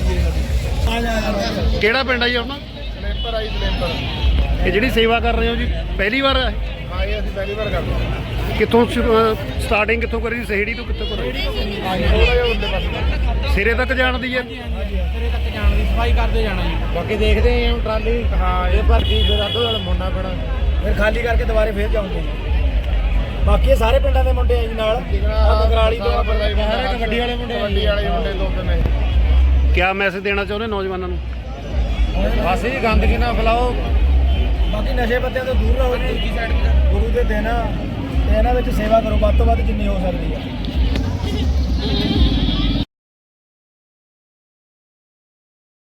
ਕਿਹੜਾ ਪਿੰਡ ਆ ਜੀ ਆਪਣਾ? ਸਲੇਪਰ ਆਈ ਸਲੇਪਰ। ਇਹ ਜਿਹੜੀ ਸੇਵਾ ਕਰ ਰਹੇ ਹੋ ਜੀ ਪਹਿਲੀ ਵਾਰ ਹੈ? ਹਾਂ ਇਹ ਅਸੀਂ ਪਹਿਲੀ ਵਾਰ ਕਰਦੇ ਹਾਂ। ਕਿੱਥੋਂ ਸਟਾਰਟਿੰਗ ਕਿੱਥੋਂ ਕਰੀ? ਸਹੇੜੀ ਤੋਂ ਕਿੱਥੋਂ ਕਰੀ? ਹਾਂਜੀ ਥੋੜਾ ਜਿਹਾ ਉੱਤੇ ਪਾਸੇ ਸਿਰੇ ਤੱਕ ਜਾਣ ਦੀ ਹੈ? ਸਿਰੇ ਤੱਕ ਜਾਣ ਦੀ ਸਫਾਈ ਕਰਦੇ ਜਾਣਾ ਜੀ। ਬਾਕੀ ਦੇਖਦੇ ਹਾਂ ਟਰਾਲੀ ਹਾਂ ਇਹ ਭਰਤੀ ਫਿਰ ਅੱਧੋ ਨਾਲ ਮੁੰਨਾ ਪੈਣਾ, ਫਿਰ ਖਾਲੀ ਕਰਕੇ ਦੁਬਾਰੇ ਫੇਰ ਜਾਉਂਗੇ। ਬਾਕੀ ਇਹ ਸਾਰੇ ਪਿੰਡਾਂ ਦੇ ਮੁੰਡੇ ਆ ਜੀ ਨਾਲ, ਕਗਰਾਲੀ ਤੋਂ ਕਬੱਡੀ ਵਾਲੇ ਮੁੰਡੇ ਦੋ ਤਿੰਨ ਨੇ। ਕਿਆ ਮੈਸੇਜ ਦੇਣਾ ਚਾਹੁੰਦੇ ਨੌਜਵਾਨਾਂ ਨੂੰ? ਬਸ ਜੀ ਗੰਦਗੀ ਨਾ ਫੈਲਾਓ, ਬਾਕੀ ਨਸ਼ੇ ਪੱਤਿਆਂ ਤੋਂ ਦੂਰ ਰਹੋ ਜੀ। ਗੁਰੂ ਦੇ ਦਿਨ ਤੇ ਇਹਨਾਂ ਵਿੱਚ ਸੇਵਾ ਕਰੋ ਵੱਧ ਤੋਂ ਵੱਧ ਜਿੰਨੀ ਹੋ ਸਕਦੀ ਹੈ।